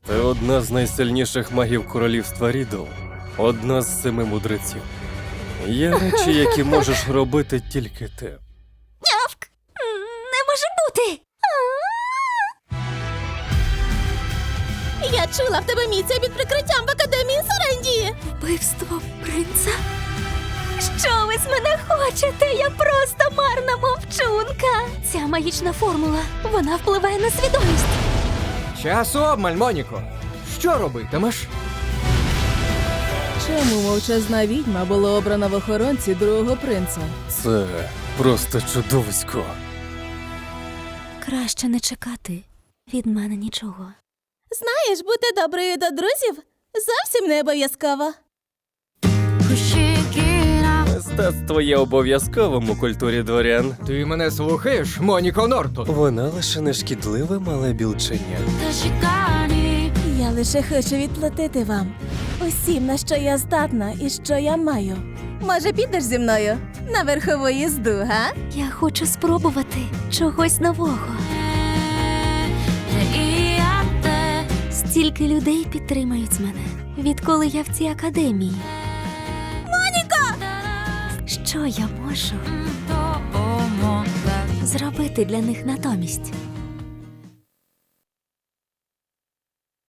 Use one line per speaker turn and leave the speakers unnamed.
Ти одна з найсильніших магів королівства Рідл. Одна з 7 мудреців. Є речі, які можеш робити тільки ти.
Нявк! Не може бути!
Я чула в тебе місце під прикриттям в Академії Сарендії.
Вбивство принца? Що ви з мене хочете? Я просто марна мовчунка. Ця магічна формула, вона впливає на свідомість.
Часу обмаль, Моніко. Що робитимеш?
Чому мовчазна відьма була обрана в охоронці другого принца?
Це просто чудовисько.
Краще не чекати від мене нічого.
Знаєш, бути доброю до друзів зовсім не обов'язково.
Мистецтво є обов'язковим у культурі дворян.
Ти мене слухаєш, Моніко Нортон?
Вона лише не шкідливе мале білченя.
Я лише хочу відплатити вам усім, на що я здатна і що я маю. Може, підеш зі мною на верхову їзду, га?
Я хочу спробувати чогось нового. Стільки людей підтримають мене, відколи я в цій академії. Моніко! Що я можу зробити для них натомість?